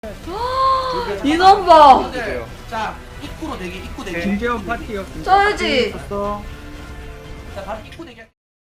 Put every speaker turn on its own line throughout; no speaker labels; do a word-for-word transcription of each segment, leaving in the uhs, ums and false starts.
인원 봐.
자, 입구로 대기, 입구 대기.
김재원 파티요.
쩔지.
자, 바로 입구 대기.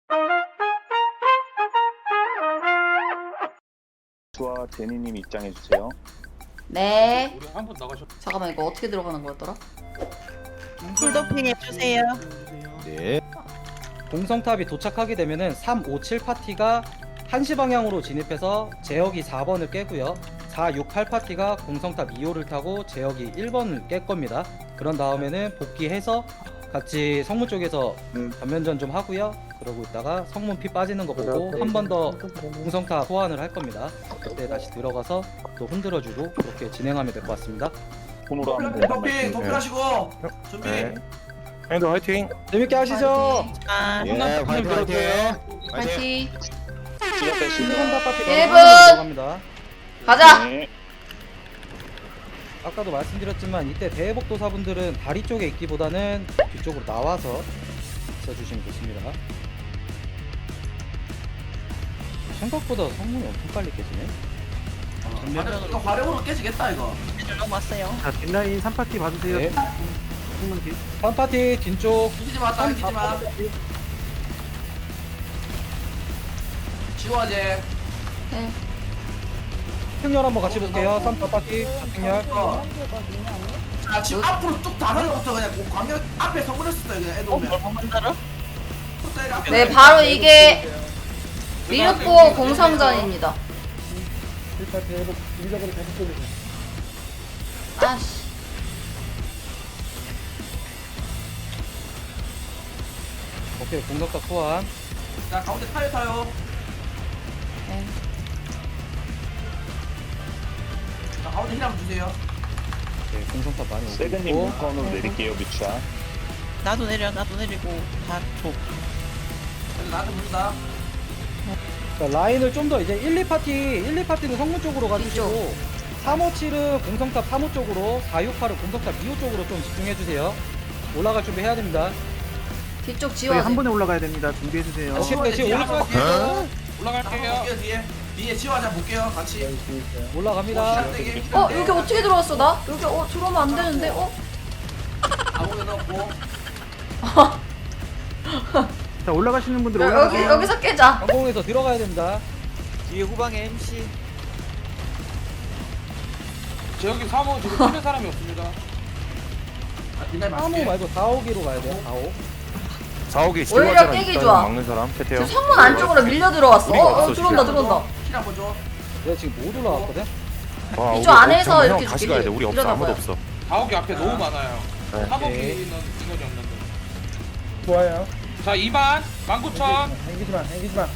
수와 제니님 입장해 주세요.
네.
우리 한 번 나가셨.
잠깐만 이거 어떻게 들어가는 거였더라?
풀도핑 해주세요.
네.
공성탑이 도착하게 되면은 삼, 오, 칠 파티가 한 시 방향으로 진입해서 제역이 사 번을 깨고요. 사, 육, 팔 파티가 공성탑 이 호를 타고 제역이 일 번을 깰 겁니다. 그런 다음에는 복귀해서 같이 성문 쪽에서 전면전 좀 하고요. 그러고 있다가 성문 피 빠지는 거 보고 한 번 더 공성탑 소환을 할 겁니다. 그때 다시 들어가서 또 흔들어주고 그렇게 진행하면 될 것 같습니다.
손으로 하면 된다
도핑, 도핑하시고 준비.
네. 형님들 화이팅.
재밌게 하시죠.
아,
예, 화이팅 화이팅.
파이팅.
시작 됐습니다.
공성탑 파티가
일 분.
들어갑니다.
가자.
네.
아까도 말씀드렸지만 이때 대복도사분들은 다리 쪽에 있기보다는 뒤쪽으로 나와서 있어주시면 좋습니다. 생각보다 성문이 엄청 빨리 깨지네.
화력, 이거 화력으로 깨지겠다 이거.
연락 왔어요.
자, 뒷라인 삼 파티 봐주세요.
네.
충분 뒤.
삼 파티 뒤쪽
이기지 마, 딱 이기지 마. 지워제.
네.
특렬 한번 같이 볼게요. 삼 파티 특렬.
어. 자, 지금 앞으로 쭉 다가서부터 그냥 그 광역 앞에 성문했었어요 그냥 애들 오면.
한번더러
네, 바로 이게 미륵보 공성전입니다. 아씨.
오케이 공격탑 소환.
자, 가운데 타요 타요.
네.
자, 가운데 힐 한번 주세요.
네, 공성탑 많이 오고
세근님
있고.
물건으로 내릴게요 미추야.
나도 내려, 나도 내리고 다 줘.
그래서 나한테 부른다.
자, 라인을 좀 더 이제 일, 이 파티 일, 이 파티는 성문 쪽으로 가주시고 삼, 오, 칠은 공성탑 삼 호 쪽으로 사, 육, 팔은 공성탑 이 호 쪽으로 좀 집중해주세요. 올라갈 준비 해야 됩니다.
뒤쪽
저희
지워지.
한 번에 올라가야 됩니다. 준비해 주세요.
오케이,
지워제
지금
뒤에
올라가-
한번 볼게요. 올라갈게요. 볼게요 뒤에. 뒤에 지워자 볼게요 같이.
올라갑니다.
시작되기.
어 여기 어떻게 들어왔어 나? 여기 어 들어오면 안 되는데 어?
아무데 넣고.
자, 올라가시는 분들
여, 여기
올라가세요.
여기서 깨자.
항공에서 들어가야 됩니다.
뒤에 후방에 엠씨.
저 여기 삼 호 지금 뛰는 사람이 없습니다.
아, 뒷날
삼 호
맞게.
말고 사 호기로 가야 돼요. 사 호.
사옥이
오히려 깨기 좋아.
막는 사람 태태요.
지금 성문 안쪽으로 밀려 들어왔어.
우리가
어, 어
없어,
들어온다
지금.
들어온다.
힐 한번 줘.
내가 지금 못 올라왔거든.
와,
이쪽
우리
안에서
형,
이렇게
형 다시
길이
가야 돼. 우리 없어. 아무도
일어나봐요.
없어.
다옥이 앞에 너무 많아요.
네.
사복이는
오케이.
인원이 없는데.
좋아요.
자, 이만 만 구천.
행기지 마, 행기지 마.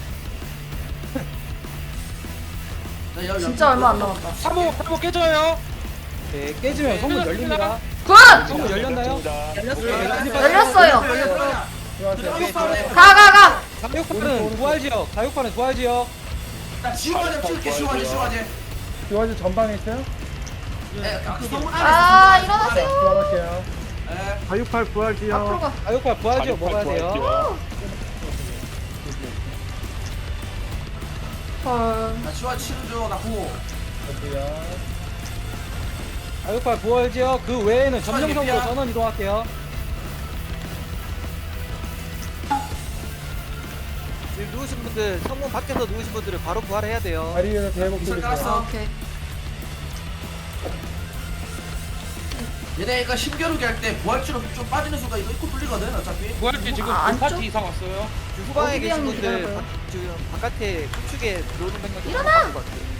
자, 여-
진짜
여-
얼마 안 남았다.
삼 호, 삼 호 깨져요.
네, 깨지면 성문 열립니다.
굿!
성문 열렸나요?
열렸어요.
열렸어요.
가 가 가.
사육파는 부활 지역. 사육파는 부활 지역.
자, 지워제 찍을게. 지워제, 지워제.
요아지 전방에 있어요?
예, 그 성문 안에.
아 일어나세요.
부활할게요.
예.
사육팔 부활
앞으로
지역.
가.
사육파 부활 지역 먹어야 돼요.
헐.
자, 지워제 치는 중. 나 구호.
사육파 부활 지역 그 외에는 점령성으로 전원 이동할게요.
지금 누우신 분들 성문 밖에서 누우신 분들은 바로 부활해야 돼요.
다리에서 대복
이슬 깔았어.
오케이.
얘네 이거 힘겨루기 할 때 부활치로 좀 빠지는 순간 이거 입구 뚫리거든 어차피.
구할지 지금
아,
두 파티
안쪽?
이상 왔어요.
지금 후방에
어디
계신
형님
분들
기다려봐요.
바, 지금 바깥에 우측에 들어오는 병력
일어나!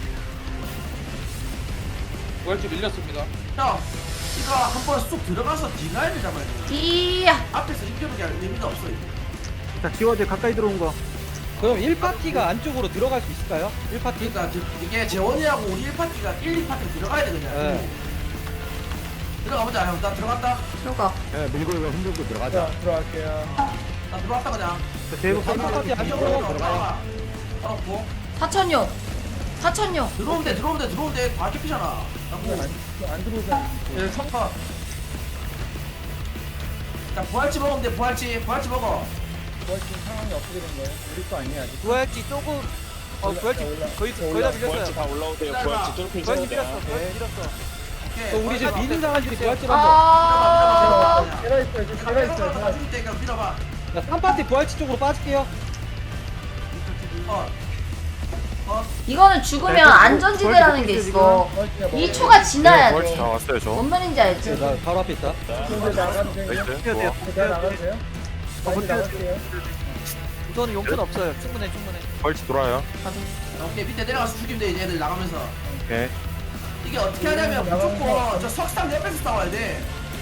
구할지 밀렸습니다.
형, 이거 한 번 쑥 들어가서 뒷라인을 잡아야 돼.
이야.
앞에서 힘겨루기 할 의미가 없어 이거.
자, 지워제 가까이 들어온 거.
그럼 일 파티가 안쪽으로 들어갈 수 있을까요? 일 파티?
그러니까 지- 이게 재원이하고 우리 일 파티가 일, 이 파티 들어가야 돼 그냥.
네.
들어가보자 형. 나 들어갔다.
들어가.
밀고 이거 흔들고 들어가자.
들어갈게요.
나 들어왔다 그냥.
자, 대복
삼 파티 안쪽으로 들어가요.
알았고.
사천용. 사천용.
들어오면 돼 들어오면 돼 들어오면 돼. 다 깨피잖아.
안 들어오잖아.
예, 청파. 자 부활치 먹으면 돼 부활치. 부활치 먹어.
지금 상황이 어떻게 된 거예요? 우리 거 아니야, 아직.
부활지 조금 어 부활지 거의 거의 다 밀렸어요.
다 올라오세요.
부활지
뚫고
부활지 밀었어. 부활지 밀었어.
오케이.
또 우리 지금 미는 사람들이 부활집 한번.
아,
제가 있어요. 지금 제가 있어요. 제가 있어요.
가줄 테니까 밀어봐.
자, 삼 파티 부활집 쪽으로 빠질게요.
어. 어.
이거는 죽으면 안전지대라는 게 있어. 이 초가 지나야
벌써 다
돼.
왔어요, 저.
뭔 말인지 알지?
나 바로 앞에 있다.
이제 나가도 돼요?
나이스.
제가 나가도 돼요? 빨리 나갈게요.
우선은 용돈 없어요. 충분해 충분해.
벌써 돌아요.
오케이 밑에 내려가서 죽이면 돼 이제 애들 나가면서.
오케이.
이게 어떻게 하냐면 무조건 저 석상 옆에서 싸워야 돼.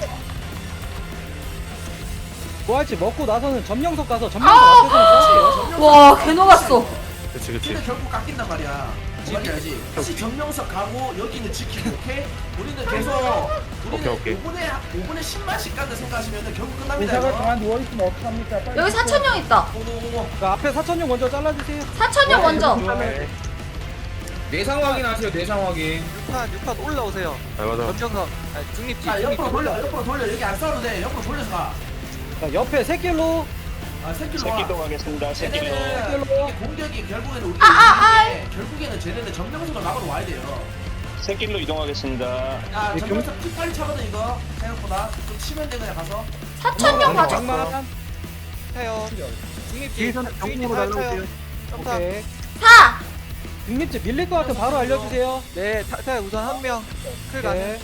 부활집 먹고 나서는 점령석 가서 점령석 앞에서는 싸울게요.
와, 개 녹았어.
그치, 그치.
근데 결국 깎인단 말이야. 뭔지 알지? 혹시 정명석 가고 여기는 지키고 오케이? 우리는 계속 우리는
오케이, 오케이.
오 분에 오 분에 십만씩 간다 생각하시면 결국 끝납니다.
의사가
이거.
가만 누워있으면 어떡합니까? 빨리
여기 사천령 있다.
오오오.
자, 앞에 사천용 먼저 잘라주세요.
사천령 먼저.
네.
내상 확인하세요. 내상 확인.
육 판 육 판 올라오세요.
아, 맞아.
점정석. 아니 중립지.
자
중립지.
옆으로 돌려 옆으로 돌려 여기 안 싸워도 돼 옆으로 돌려서 가.
자, 옆에 새길로.
아 새끼로 와.
새끼동 하겠습니다. 새끼동.
쟤네는 이게 공격이 결국에는 우리
아, 아,
이기는데 결국에는 쟤네는 정명석을 막으러 와야 돼요.
새끼로 이동하겠습니다.
야 정명석 피 빨리 차거든 이거 생각보다 좀 치면 돼 그냥 가서.
사천령 봐줘.
장만.
차요. 중립지.
뒤에서는
중립지
정문으로
차요,
날라오세요.
차요. 점사.
오케이.
사.
중립집 밀릴 것 같으면 바로 알려주세요.
네, 타, 타 우선 한 명. 클
오케이.
가는.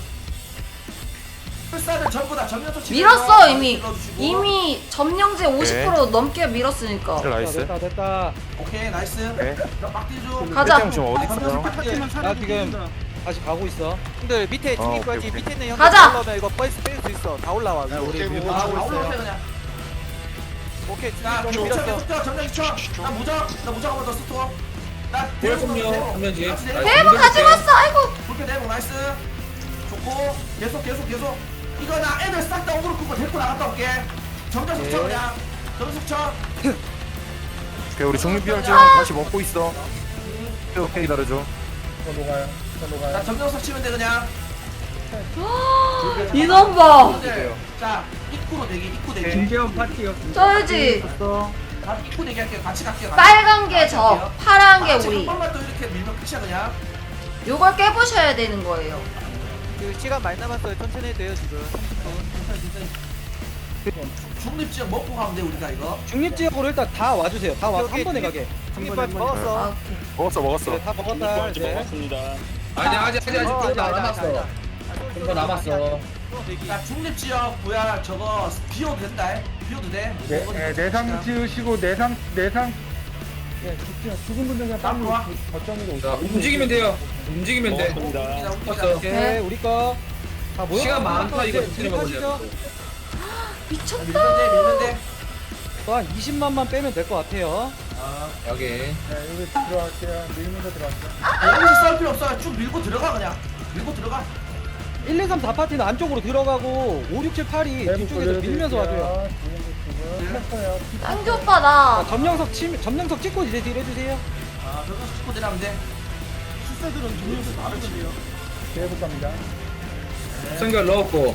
풀사는 전부 다 정명석 치면
밀었어 이미.
눌러주시고.
이미 점령제 오십 퍼센트 넘게 밀었으니까.
자,
나이스.
됐다 됐다.
오케이 나이스.
네.
막딜 좀.
가자.
배짱 지금 어디 있어요?
나 지금 다시 가고 있어.
근데 밑에
어,
중립
오케이,
부활지
오케이.
밑에 있는
가자.
형들 올라오면 이거 버스 뺄 수 있어. 다 올라와. 위로.
우리
아,
밀고
아,
가고
올라오세요
있어요.
그냥.
오케이
자,
중립 부활지 밀었어.
무적, 정장 쳐. 나 무적, 나 무적 한번 더 스톱. 나
대범요, 한명지.
대박 가져갔어. 아이고.
불쾌 대박 나이스. 좋고 계속 계속 계속. 이거 나 애들 싹 다 오그로 끄고 데리고 나갔다 올게. 정장 쳐 그냥. 정장 쳐.
오케이, 우리 중립비활제는 다시 먹고 있어. 오케이, 오케이, 기다려줘.
저 녹아요. 저
나
녹아요.
정장석 치면 돼 그냥.
인원 봐.
형들, 자 입구로 대기, 입구 대기.
김재원 파티요.
쪄야지.
다 입구 대기 할게요. 같이 갈게요. 같이.
빨간 게 저, 파란 게
같이 한
우리.
번만 또 이렇게 밀면 끝이야 그냥.
요걸 깨부셔야 되는 거예요.
그 시간 많이 남았어요. 천천히 해도 돼요 지금. 삼십 분.
중립지역 먹고 가면 돼 우리가 이거.
중립지역으로 일단 다 와주세요. 다 와서 한
오케이,
번에
중립-
가게.
중립 부활지
아,
먹었어.
오케이.
먹었어, 먹었어.
네, 다 먹었다. 이제.
먹었습니다.
아니 아직 아직 아직
어,
좀더
아니다,
남았어.
아니다,
좀 더 남았어.
대기.
자 중립지역 뭐야 저거 비워도 된다. 비워도 돼.
네, 네, 내상 지으시고 내상 내상 예, 죽지 죽은 분들 그냥 빨리
좋아.
그 거점으로
자,
오세요.
움직이면 돼요. 움직이면 돼.
먹었습니다.
웃기다 웃기다.
왔어.
오케이,
네.
우리 거. 다 모여.
시간 많다, 이거
이제
진행해 보자.
진입하시죠.
미쳤다.
밀는데 밀는데.
또한 이십만만 빼면 될 것 같아요.
아
여기.
네, 여기 들어갈게요. 밀면서 들어갈게요.
여기서 싸울 필요 없어. 쭉 밀고 들어가 그냥. 밀고 들어가.
일, 이, 삼 다 파티는 안쪽으로 들어가고 오, 육, 칠, 팔이
네,
뒤쪽에서 밀면서 와줘요.
했어요.
쌍기 오빠 나.
자, 점령석 치, 점령석 찍고 이제 딜 해주세요.
아 저거 축구 들어가면 돼.
출사들은 중립에서 다르거든요. 대부 갑니다.
성결 넣었고.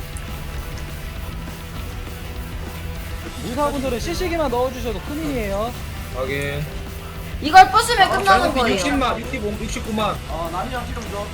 무사분들은 시시기만 넣어주셔도 큰일이에요.
여기.
이걸 부수면 끝나는
자연스럽게
거예요.
육십만, 육십오, 육십구만.
어 남이랑 힐좀 줘.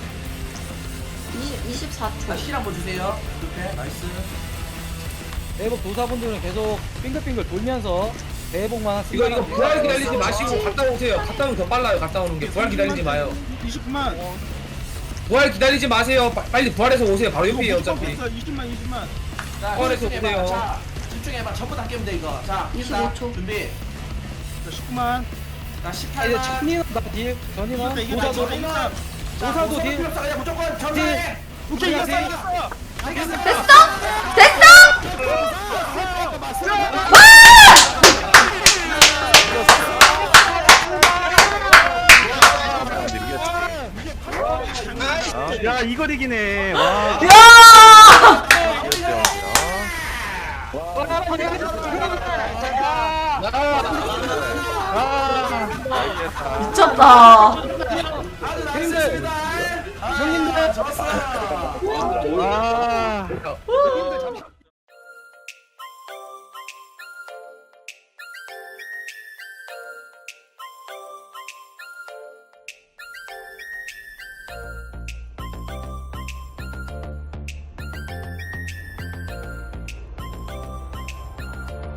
이십, 이십사 초.
나 힐 한번 주세요. 이렇게 나이스.
대복 도사분들은 계속 빙글빙글 돌면서 대복만
이거 이거
쓰다가
부활 기다리지 마시고 갔다 오세요. 갔다 오면 더 빨라요. 갔다 오는 게 부활 기다리지 마요.
이십구만.
부활 기다리지 마세요. 빠- 빨리 부활해서 오세요. 바로 옆이에요 어차피.
이십만 이십만.
자
꺼내서
집중해봐.
보세요.
자 집중해봐. 전부 다 깨면 돼 이거. 자
이십오
일단
초.
준비.
십구만.
자
이제
십팔만.
전이나 딜 전이나 도사도 도사도 딜
필요 없어. 그냥 무조건 전사해.
오케이 이겼어
알겠어.
됐어? 됐어?
야 이걸 이기네. 와.
야! 미쳤다.
아주 나이스입니다. 형님들 좋았어요.
와.